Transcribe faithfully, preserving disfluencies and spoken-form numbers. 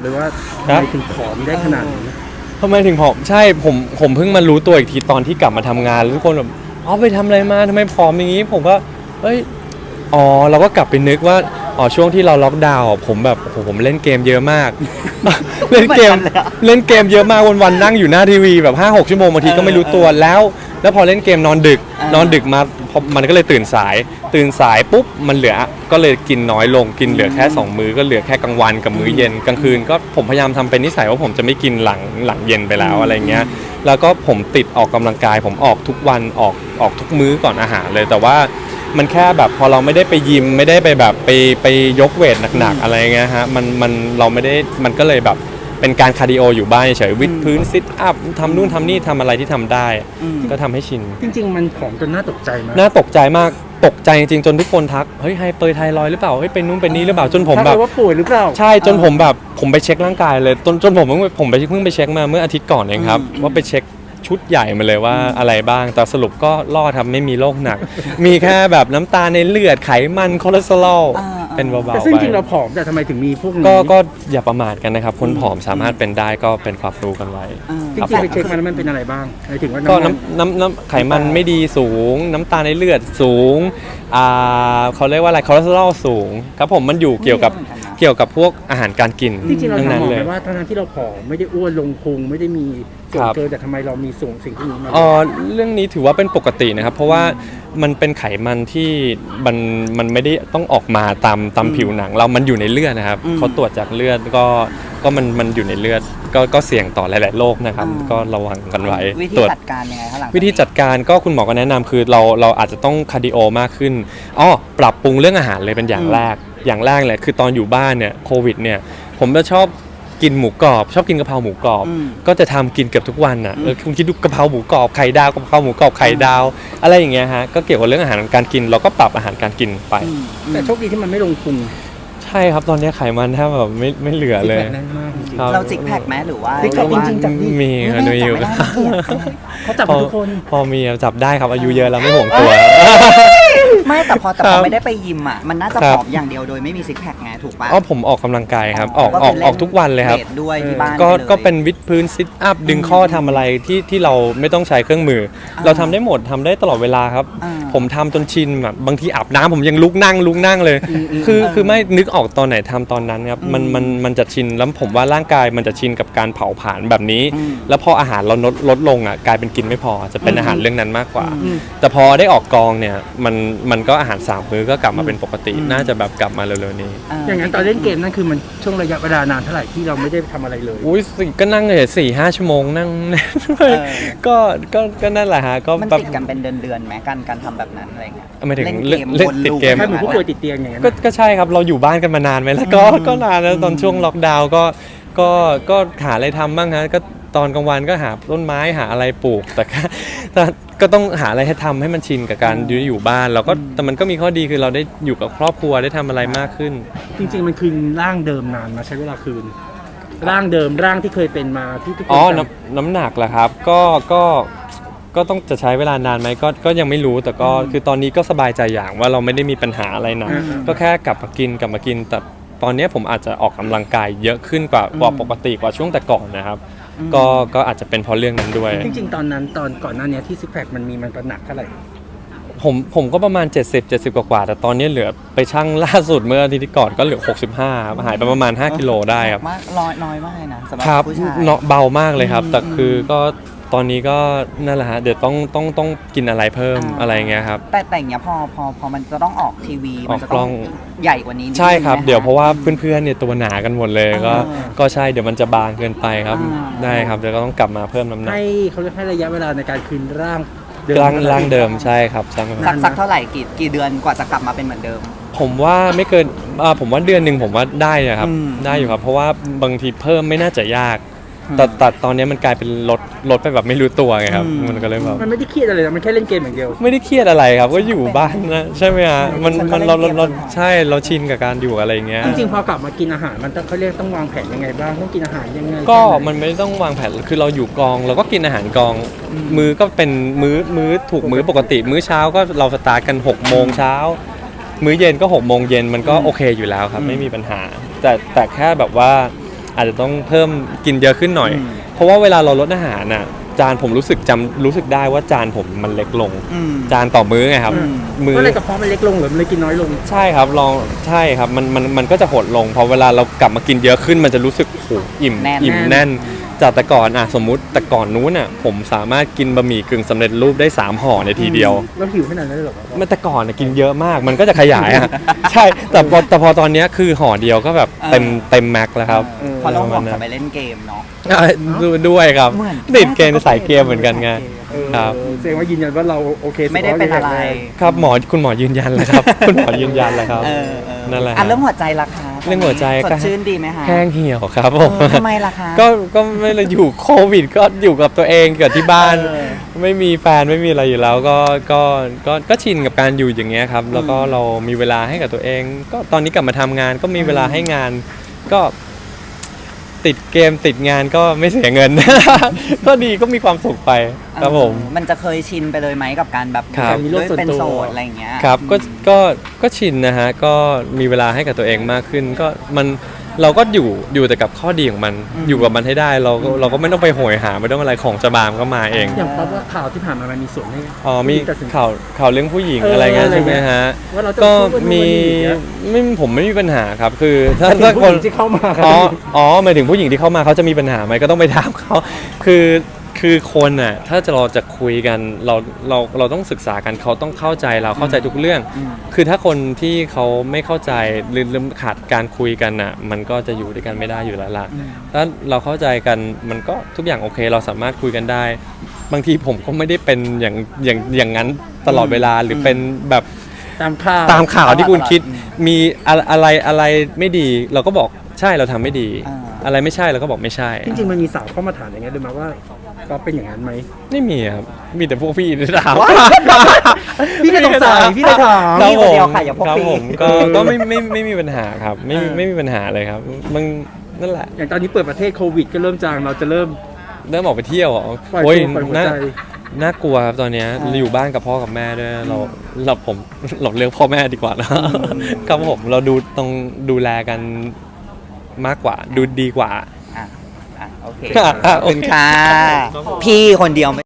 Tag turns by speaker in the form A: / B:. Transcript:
A: เลยว่าทำไมถึงผอมได้ขนาดนี้
B: ทำไมถึงผอมใช่ผมผมเพิ่งมารู้ตัวอีกทีตอนที่กลับมาทำงานแล้วทุกคนแบบอ๋อไปทำอะไรมาทำไมผอมอย่างนี้ผมก็เอ้ยอ๋อเราก็กลับไปนึกว่าอ๋อช่วงที่เราล็อกดาวน์ผมแบบโอ้โหผมเล่นเกมเยอะมาก เล่นเกมเล่นเกมเยอะมากวันๆนั่งอยู่หน้าทีวีแบบ ห้าหก ชั่วโมงบางทีก็ไม่รู้ตัวแล้วแล้วพอเล่นเกมนอนดึกนอนดึกมามันก็เลยตื่นสายตื่นสายปุ๊บมันเหลือก็เลยกินน้อยลงกินเหลือแค่สองมื้อก็เหลือแค่กลางวันกับมื้อเย็นกลางคืนก็ผมพยายามทำเป็นนิสัยว่าผมจะไม่กินหลังหลังเย็นไปแล้วอะไรเงี้ยแล้วก็ผมติดออกกำลังกายผมออกทุกวันออกออกทุกมื้อก่อนอาหารเลยแต่ว่ามันแค่แบบพอเราไม่ได้ไปยิมไม่ได้ไปแบบไปไปยกเวทหนักๆอะไรเงี้ยฮะมันมันเราไม่ได้มันก็เลยแบบเป็นการคาร์ดิโออยู่บ้านเฉยวิดพื้นซิทอัพทำนู่นทำนี่ทำอะไรที่ทำได้ก็ทำให้ชิน
A: จริงๆมันผอมจนน่าตกใจมาก
B: น่าตกใจมากตกใจจริงๆจนทุกคนทักเฮ้ยไฮเปอร์ไทรอยด์หรือเปล่าเฮ้ยเป็นนู่นเป็นนี่หรือเปล่าจนผมแบบ
A: ว่าป่วยหรือเปล่า
B: ใช่จนผมแบบผมไปเช็คร่างกายเลยจนจนผมเพิ่งผมไปเพิ่งไปเช็คมาเมื่ออาทิตย์ก่อนเองครับว่าไปเช็คชุดใหญ่มาเลยว่าอะไรบ้างแต่สรุปก็รอดทำไม่มีโรคหนักมีแค่แบบน้ำตาลในเลือดไขมันคอเลสเตอรอลเป็นเบาๆไป
A: แต่ซึ่งจริงเราผอมแต่ทำไมถึงมีพวกนี้
B: ก็ก็อย่าประมาทกันนะครับคนผอมสามารถเป็นได้ก็เป็นความรู้กันไว้
A: จริงๆไปเช็คมาแล้วมันเป็นอะไรบ้างหมายถึงว่า
B: ก็น้ำน้ำน้ำไขมันไม่ดีสูงน้ำตาลในเลือดสูงอ่าเขาเรียกว่าอะไรคอเลสเตอรอลสูงครับผมมันอยู่เกี่ยวกับเกี่ยวกับพวกอาหารการกิน
A: จริงๆเราถามหมอเลยว่าทั้งที่เราผอมไม่ได้อ้วนลงพุงไม่ได้มีส่วนเกินแต่ทำไมเรามีส่งสิ่งที่นี้มา
B: อ๋อเรื่องนี้ถือว่าเป็นปกตินะครับเพราะว่ามันเป็นไขมันที่มันมันไม่ได้ต้องออกมาตามตามผิวหนังเรามันอยู่ในเลือดนะครับเขาตรวจจากเลือดก็ก็มันมันอยู่ในเลือดก็ก็เสี่ยงต่อหลายๆโรคนะครับก็ระวังกันไว้
C: วิธีจัดการยังไงคะหลัง
B: วิธีจัดการก็คุณหมอก็แนะนำคือเราเราอาจจะต้องคาร์ดิโอมากขึ้นอ๋อปรับปรุงเรื่องอาหารเลยเป็นอย่างแรกอย่างแรกเลยคือตอนอยู่บ้านเนี่ยโควิดเนี่ยผมจะชอบกินหมูกรอบชอบกินกะเพราหมูกรอบก็จะทำกินเกือบทุกวันอ่ะเออคุณคิดดูกะเพราหมูกรอบไข่ดาวกะเพราหมูกรอบไข่ดาวอะไรอย่างเงี้ยฮะก็เกี่ยวกับเรื่องอาหารการกินเราก็ปรับอาหารการกินไป
A: แต่โชคดีที่มันไม่ลงพุง
B: ใช่ครับตอนนี้ไขมันแทบแบบไม่ไม่เหลือเลย
C: เราจิกแพคไหมหรือว่า
A: จิกแพคจริงๆจับ
B: มีครับมีอยู่
A: เขาจับทุกคน
B: พอมีจับได้ครับอายุเยอะแล้วไม่ห่วงตัว
C: ไม่แต่พอแต่พอไม่ได้ไปยิมอ่ะมันน่าจะผอมอย่างเดียวโดยไม่มีซิกแพคไงถูกป่ะ
B: อ๋อผมออกกำลังกายครับออกออกออกทุกวันเลยครับ
C: ด้วยที่บ้าน
B: ก็ก็เป็นวิดพื้นซิทอัพดึงข้อทำอะไรที่ที่เราไม่ต้องใช้เครื่องมือเราทำได้หมดทำได้ตลอดเวลาครับผมทำจนชินแบบบางทีอาบน้ำผมยังลุกนั่งลุกนั่งเลยคือคือไม่นึกออกตอนไหนทำตอนนั้นครับมันมันมันจะชินแล้วผมว่าร่างกายมันจะชินกับการเผาผลาญแบบนี้แล้วพออาหารเราลดลดลงอ่ะกลายเป็นกินไม่พอจะเป็นอาหารเรื่องนั้นมากกว่าแต่พอได้ออกกองเนี่ยมันมันก็อาหารสามมื้อก็กลับมาเป็นปกติน่าจะแบบกลับมาเร็วๆนี้
A: อย่างนั้นตอนเล่นเกมนั่นคือมันช่วงระยะเวลานานเท่าไหร่ที่เราไม่ได้ทำอะไรเลย
B: อุ้ยก็นั่งเลยสี่ห้าชั่วโมงนั่งก็ก็ก็นั่นแหละฮะก็
C: มันติดกันเป็นเดือนๆไหมการการทำแบบนั้นอะไรเงี้ย
B: ไม่ถึง
C: เล่นเกม
B: ติดเกม
A: แค่เหมือนผู้ป่วยติดเตียงอย่างเงี้ย
B: ก็ใช่ครับเราอยู่บ้านกันมานานไหมแล้วก็ก็นานแล้วตอนช่วงล็อกดาวน์ก็ก็ก็หาอะไรทำบ้างฮะก็ตอนกลางวันก็หาต้นไม้หาอะไรปลูกแต่แต่ก็ต้องหาอะไรให้ทำให้มันชินกับการอยู่อยู่บ้านเราก็แต่มันก็มีข้อดีคือเราได้อยู่กับครอบครัวได้ทำอะไรมากขึ้น
A: จริงๆมันคืนร่างเดิมนานมาใช้เวลาคืนร่างเดิมร่างที่เคยเป็นมาที่ทุกคน
B: อ๋อน้ำน้ำหนักเหรอครับก็ก็ก็ต้องจะใช้เวลานานไหมก็ก็ยังไม่รู้แต่ก็คือตอนนี้ก็สบายใจอย่างว่าเราไม่ได้มีปัญหาอะไรหนักก็แค่กลับมากินกลับมากินแต่ตอนนี้ผมอาจจะออกกำลังกายเยอะขึ้นกว่ากว่าปกติกว่าช่วงแต่ก่อนนะครับก็ก็อาจจะเป็นเพราะเรื่องนั้นด้วย
A: จริงๆตอนนั้นตอนก่อนหน้านี้ที่ซิกแพคมันมีมันหนักเท่าไหร่
B: ผมผมก็ประมาณเจ็ดสิบ เจ็ดสิบกว่าๆแต่ตอนนี้เหลือไปชั่งล่าสุดเมื่ออาทิตย์ก่อนก็เหลือหกสิบห้าหายไปประมาณห้ากิโลได้ครับ
C: มากน้อยน้อยมากเลยนะสำหรับผู้ชาย
B: เนาะเบามากเลยครับแต่คือก็ตอนนี้ก็นั่นแหละฮะเดี๋ยวต้องต้องต้องกินอะไรเพิ่มอะไรเงี้ยครับ
C: แต่แต่อย่างเงี้ยพอพอพอมันจะต้องออกทีวีมันจะต้องใหญ่กว่านี้
B: ใช่ครับเดี๋ยวเพราะว่าเพื่อนๆเนี่ยตัวหนากันหมดเลยก็ก็ใช่เดี๋ยวมันจะบางเกินไปครับได้ครับเดี๋ยวก็ต้องกลับมาเพิ่มน้ำหนัก
A: ให้เขาเรียกให้ระยะเวลาในการคืนร่าง
B: ร่างร่างเดิมใช่ครับ
C: สักสักเท่าไหร่กี่กี่เดือนกว่าจะกลับมาเป็นเหมือนเดิม
B: ผมว่าไม่เกินผมว่าเดือนหนึ่งผมว่าได้นะครับได้อยู่ครับเพราะว่าบางทีเพิ่มไม่น่าจะยากแต่แต่ตอนนี้มันกลายเป็นลดลดไปแบบไม่รู้ตัวไงครับมันก็เลยแบบ
A: มันไม่ได้เครียดอะไรมันแค่เล่นเกมอย่างเดียว
B: ไม่ได้เครียดอะไรครับก็อยู่บ้านนะใช่ไหมฮะมันมันเราเราใช่เราชินกับการอยู่อะไรเงี้ย
A: จริงๆพอกลับมากินอาหารมันต้องเขาเรียกต้องวางแผนยังไงบ้างต้องกินอาหารยังไง
B: ก็มันไม่ต้องวางแผนคือเราอยู่กองเราก็กินอาหารกองมื้อก็เป็นมื้อมื้อถูกมื้อปกติมื้อเช้าก็เราสตาร์ทกันหกโมงเช้ามื้อเย็นก็หกโมงเย็นมันก็โอเคอยู่แล้วครับไม่มีปัญหาแต่แต่แค่แบบว่าอาจจะต้องเพิ่มกินเยอะขึ้นหน่อย
C: อืม
B: เพราะว่าเวลาเราลดอาหารน่ะจานผมรู้สึกจำรู้สึกได้ว่าจานผมมันเล็กลง
C: อืม
B: จานต่อมื้อไงครับ
C: อืม
B: มื้อ
A: ก็เลยกระเพาะมันเล็กลงหรือมันเลยกินน้อยลง
B: ใช่ครับลองใช่ครับมันมันมันก็จะหดลงพอเวลาเรากลับมากินเยอะขึ้นมันจะรู้สึกโอ้โหอิ่ม
C: แน่น
B: อิ่มแน่นจากแต่ก่อนอ่ะสมมุติแต่ก่อนนู้นอ่ะผมสามารถกินบะหมี่กึ่งสำเร็จรูปได้สามห่อในทีเดียว
A: แล้วหิวขนาดนั้นเลยเหรอ
B: เมื่อแต่ก่อนนะกินเยอะมากมันก็จะขยายอ่ะ ใช่แต่พอแต่พอตอนเนี้ยคือห่อเดียวก็แบบเต็มเต็มแม็กซ์แล้วครับ
C: เออเพราะเราหวังจะไปเล่นเกมเนาะ
B: อ่ะดูด้วยครับ
C: เหมือน
B: ติดเกมสายเกมเหมือนกันไง
A: เออ
B: ครับ
A: แสดงว่ายืนยันว่าเราโอเค
C: ไม่ได้เป็นอะไร
B: ครับหมอคุณหมอยืนยันแล้วครับ คุณหมอยืนยันแล้วครับ
C: เออเออ
B: นั่นแหละ
C: อ่ะเรื่องหัวใจล่ะคะ
B: เรื่องหัวใจ
C: ส
B: ก็
C: ดชื่นดีไหมคะ
B: แห้งเหี่ยวครับผม
C: เออทำไมล่ะคะ
B: ก็ก็ไม่ได้อยู่โควิดก็อยู่กับตัวเองกับที่บ้าน
C: เออ
B: ไม่มีแฟนไม่มีอะไรอยู่แล้วก็ก็ก็ก็ชินกับการอยู่อย่างเงี้ยครับ แล้วก็เรามีเวลาให้กับตัวเอง ก็ตอนนี้กลับมาทำงานก็มีเวลาให้งาน ก็ติดเกมติดงานก็ไม่เสียเงิน ก็ดีก็มีความสุขไปครับผม
C: เออมันจะเคยชินไปเลยไหมกับการแบบ
B: ครับ
C: ด้วยเป็นโสดอะไรอย่างเงี้ย
B: ครับก็ก็ก็ชินนะฮะก็มีเวลาให้กับตัวเองมากขึ้น ก็มันเราก็อยู่อยู่แต่กับข้อดีของมัน
C: อืม
B: อยู่กับมันให้ได้เราก็เราก็ไม่ต้องไปโหยหาไม่ต้องอะไรของจะบามก็มาเอง
A: อย่างเพราะว่าข่าวที่ผ่านมามันมีส่วนให้
B: อ๋อมี
A: ตัดสิน
B: ข่าวข่าวเรื่องผู้หญิง
A: เอออ
B: อะไรเงี้ยใช่ไหมฮะ
A: ว่าเราจะ
B: ก็
A: พูดว่านู่น
B: มี
A: ว่านี่อย่างเงี้ย
B: ไม่ผมไม่มีปัญหาครับ คือถ้า
A: ถ้า
B: ถ้า
A: ผู้
B: ค
A: ห
B: น
A: ญิงที่เข้ามาครับ
B: อ๋ออ๋อหมายถึงผู้หญิงที่เข้ามาเขาจะมีปัญหาไหมก็ต้องไปถามเขาคือคือคนน่ะถ้าจะเราจะคุยกันเราเราเราต้องศึกษากันเขาต้องเข้าใจเราเข้าใจทุกเรื่อง
C: อืม
B: คือถ้าคนที่เขาไม่เข้าใจหรือหรือขาดการคุยกันน่ะมันก็จะอยู่ด้วยกันไม่ได้อยู่แล้วล่ะ
C: อืม
B: ถ้าเราเข้าใจกันมันก็ทุกอย่างโอเค เราสามารถคุยกันได้ บางทีผมก็ไม่ได้เป็นอย่างอย่างอย่างนั้นตลอดเวลาหรือเป็นแบบ
A: ตามข่าว
B: ตามข่าวที่คุณคิด
C: อืม
B: มีอะอะไรอะไรไม่ดี เราก็บอกใช่เราทำไม่ดี
C: อ่า
B: อะไรไม่ใช่เราก็บอกไม่ใช่
A: จริงๆมันมีสาวเข้ามาถามอย่างเงี้ยด้วยมั้ยว่าก็เป็นอย่างนั้นไหม
B: ไม่มีครับมีแต่พวกพี่ที่ถาม
A: พี่ก็สงสัยพี่ก็ถาม
B: ครับ
C: พี่
B: ผ
C: คนเดี
B: ม
C: ยวค่ะอย่าพวก
B: ครับ
C: พี่
B: ผมก็ก็ไม่ไม่ไม่มีปัญหาครับไม่
C: เออ
B: ไม่มีปัญหาเลยครับมันนั่นแหละ
A: อย่างตอนนี้เปิดประเทศโควิดก็เริ่มจางเราจะเริ่ม
B: เริ่มออกไปเที่ยวเหรอ
A: ปล่อย
B: โอ้ย
A: ตัวปล่อยหัว
B: น่า
A: ใจ
B: น่ากลัวครับตอนเนี้ย
C: อ่า
B: อยู่บ้านกับพ่อกับแม่ด้วยเราเราผมเราเลือกพ่อแม่ดีกว่านะครับผมเราดูต้องดูแลกันมากกว่าดูดีกว่า
C: อ่ะอ่ะโอเค
B: อ่ะ
C: ขอบคุณค่ะ พี่คนเดียว